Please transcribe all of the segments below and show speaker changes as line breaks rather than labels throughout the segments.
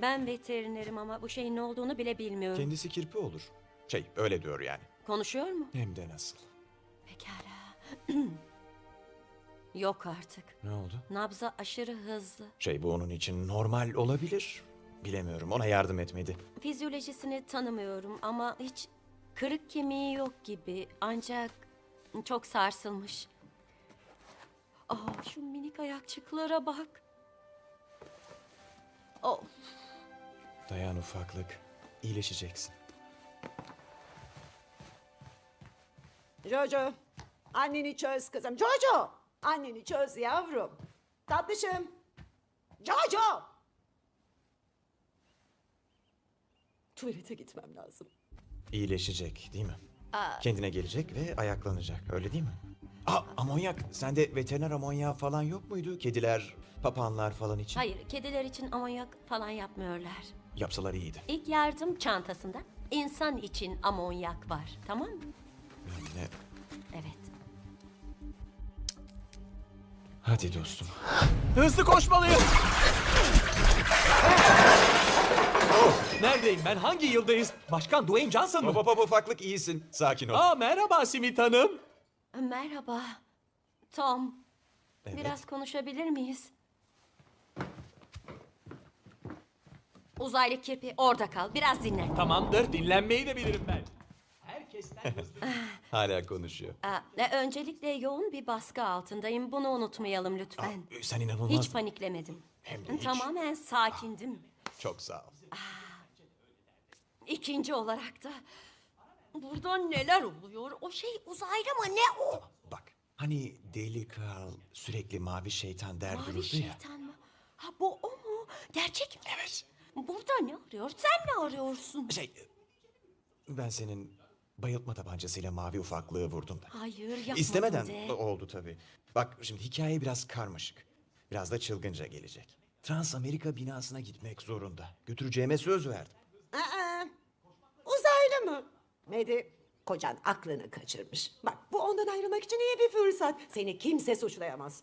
Ben veterinerim ama bu şeyin ne olduğunu bile bilmiyorum.
Kendisi kirpi olur. Öyle diyor yani.
Konuşuyor mu?
Hem de nasıl.
Pekala. Yok artık.
Ne oldu?
Nabza aşırı hızlı.
Bu onun için normal olabilir. Bilemiyorum, ona yardım etmedi.
Fizyolojisini tanımıyorum ama hiç kırık kemiği yok gibi. Ancak çok sarsılmış. Şu minik ayakçıklara bak. Oh,
Dayan ufaklık, iyileşeceksin.
Jojo, anneni çöz kızım. Jojo, anneni çöz yavrum. Tatlışım. Jojo. Tuvalete gitmem lazım.
İyileşecek değil mi? Kendine gelecek ve ayaklanacak, öyle değil mi? Amonyak, sende veteriner amonyağı falan yok muydu? Kediler, papağanlar falan için.
hayır, kediler için amonyak falan yapmıyorlar.
Yapsalar iyiydi.
İlk yardım çantasında insan için amonyak var. Tamam mı?
Yani
Evet.
hadi dostum.
Hızlı koşmalıyım. Neredeyim ben? Hangi yıldayız? Başkan Dwayne Johnson mı?
Hop ufaklık, iyisin. Sakin ol.
Merhaba Simit Hanım.
Merhaba. Tom.
Evet.
Biraz konuşabilir miyiz? Uzaylı kirpi orada kal. Biraz dinlen.
Tamamdır, dinlenmeyi de bilirim ben. Herkesten hızlı.
Hala konuşuyor.
Öncelikle yoğun bir baskı altındayım. Bunu unutmayalım lütfen.
Sen inanılmaz.
Hiç paniklemedim.
Hem de hiç.
Tamamen sakindim.
Çok sağ ol.
İkinci olarak da burada neler oluyor? O şey uzaylı mı? Ne o?
Bak, hani deli kral sürekli mavi şeytan der
Mavi
dururdu ya.
şeytan mı? Bu o mu? Gerçek mi?
Evet.
Burada ne arıyor? Sen ne arıyorsun?
Ben senin bayıltma tabancasıyla mavi ufaklığı vurdum da.
Hayır, yapmadım
İstemeden
de.
oldu tabii. Bak şimdi hikaye biraz karmaşık. Biraz da çılgınca gelecek. Trans Amerika binasına gitmek zorunda. Götüreceğime söz verdim.
Uzaylı mı? Medi, kocan aklını kaçırmış. Bak bu ondan ayrılmak için iyi bir fırsat. Seni kimse suçlayamaz.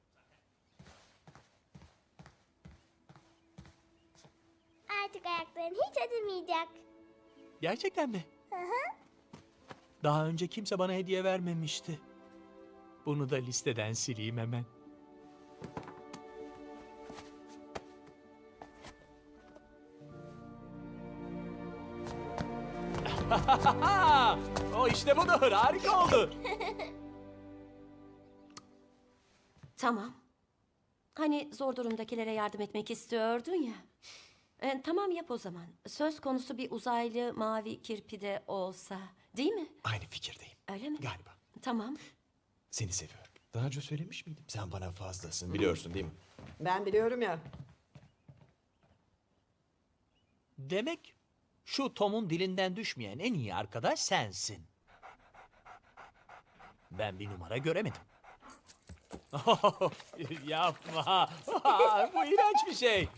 Artık ayakların hiç acımayacak.
Gerçekten mi? Daha önce kimse bana hediye vermemişti. Bunu da listeden sileyim hemen. O işte budur, harika oldu.
Tamam. Hani zor durumdakilere yardım etmek istiyordun ya. Tamam yap o zaman. Söz konusu bir uzaylı mavi kirpi de olsa. Değil mi?
Aynı fikirdeyim.
Öyle mi?
Galiba.
Tamam.
Seni seviyorum. Daha önce söylemiş miydim? Sen bana fazlasın, biliyorsun değil mi?
Ben biliyorum ya.
Demek şu Tom'un dilinden düşmeyen en iyi arkadaş sensin. Ben bir numara göremedim. Yapma. Bu iğrenç bir şey.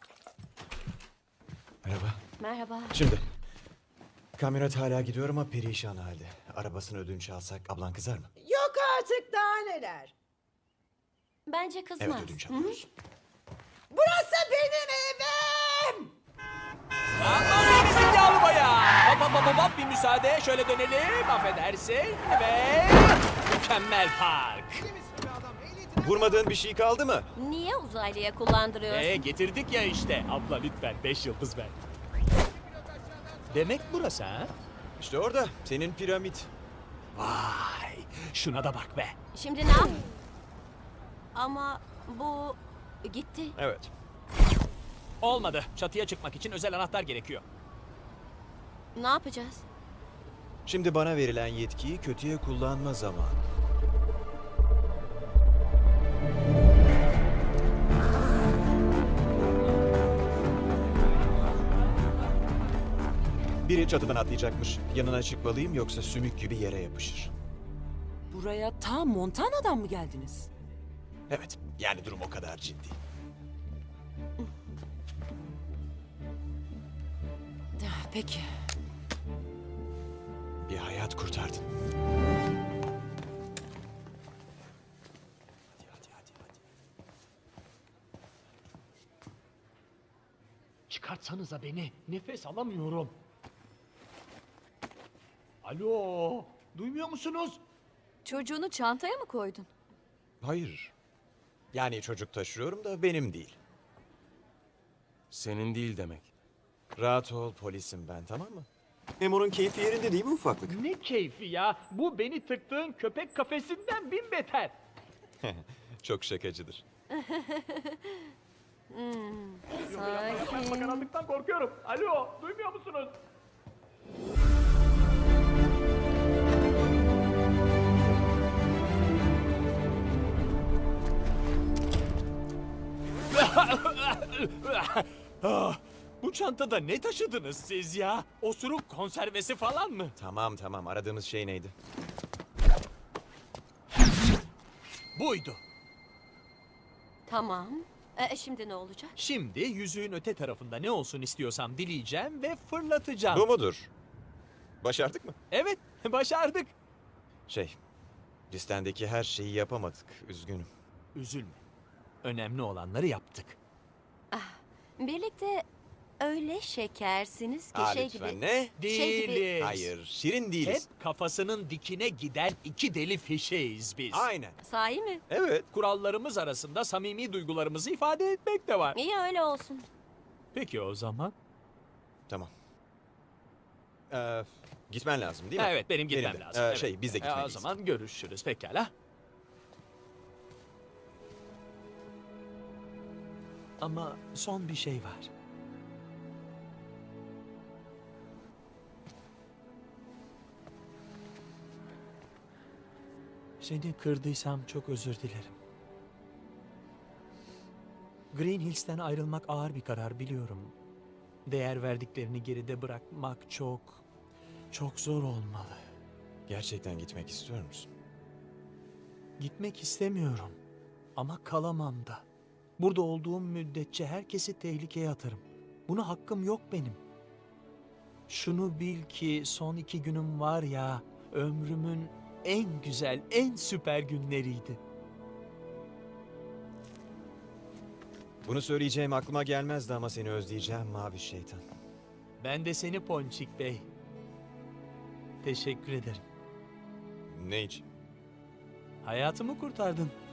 Merhaba.
Merhaba.
Şimdi, kamyonet hala gidiyor ama perişan halde. Arabasını ödünç alsak ablan kızar mı?
Yok artık daha neler.
Bence kızmaz.
Evet, ödünç alıyoruz.
Burası benim evim.
Aman iyisin yavru bayağı. Hop bir müsaade. Şöyle dönelim. Affedersin. Ve mükemmel park.
Vurmadığın bir şey kaldı mı?
Niye uzaylıya kullandırıyorsun?
Getirdik ya işte. Abla lütfen 5 yıldız ver. Demek burası ha?
İşte orada, senin piramit.
Vay. Şuna da bak be.
Şimdi ne yap? Ama bu gitti.
Evet.
Olmadı. Çatıya çıkmak için özel anahtar gerekiyor.
Ne yapacağız?
Şimdi bana verilen yetkiyi kötüye kullanma zamanı. Biri çatıdan atlayacakmış. Yanına çıkmalıyım yoksa sümük gibi yere yapışır.
Buraya ta Montana'dan mı geldiniz?
Evet, yani durum o kadar ciddi.
Peki.
Bir hayat kurtardın. Hadi.
Çıkar
çıkartsanıza beni. Nefes alamıyorum. Alo, duymuyor musunuz?
Çocuğunu çantaya mı koydun?
Hayır. Yani çocuk taşıyorum da benim değil.
Senin değil demek.
Rahat ol, polisim ben, tamam mı? Memurun keyfi yerinde değil mi ufaklık?
Ne keyfi ya. Bu beni tıktığın köpek kafesinden bin beter.
Çok şakacıdır.
Ben karanlıktan korkuyorum. Alo, duymuyor musunuz?
Bu çantada ne taşıdınız siz ya? Osuruk konservesi falan mı?
Tamam tamam, aradığımız şey neydi?
Buydu.
Tamam. Şimdi ne olacak?
Şimdi yüzüğün öte tarafında ne olsun istiyorsam dileyeceğim ve fırlatacağım.
Bu mudur? Başardık mı?
Evet, başardık.
Listendeki her şeyi yapamadık, üzgünüm.
Üzülme. Önemli olanları yaptık.
Birlikte öyle şekersiniz ki
Lütfen
gibi.
ne?
Şey gibi-
Değiliz.
Hayır, şirin
Hep
değiliz.
kafasının dikine giden iki deli fişeğiz biz.
Aynen.
Sahi mi?
Evet.
Kurallarımız arasında samimi duygularımızı ifade etmek de var.
İyi öyle olsun.
Peki o zaman?
Tamam. Gitmen lazım değil mi?
Ha, evet, benim gitmem
Benim de.
lazım. Evet.
Biz de
O
gitmeliyiz.
zaman görüşürüz pekala. Ama son bir şey var. Seni kırdıysam çok özür dilerim. Green Hills'ten ayrılmak ağır bir karar biliyorum. Değer verdiklerini geride bırakmak çok zor olmalı.
Gerçekten gitmek istiyor musun?
Gitmek istemiyorum ama kalamam da. Burada olduğum müddetçe herkesi tehlikeye atarım. Buna hakkım yok benim. Şunu bil ki son 2 günüm var ya, ömrümün en güzel, en süper günleriydi.
Bunu söyleyeceğim aklıma gelmezdi ama seni özleyeceğim mavi şeytan.
Ben de seni Ponçik Bey. Teşekkür ederim.
Ne için?
Hayatımı kurtardın.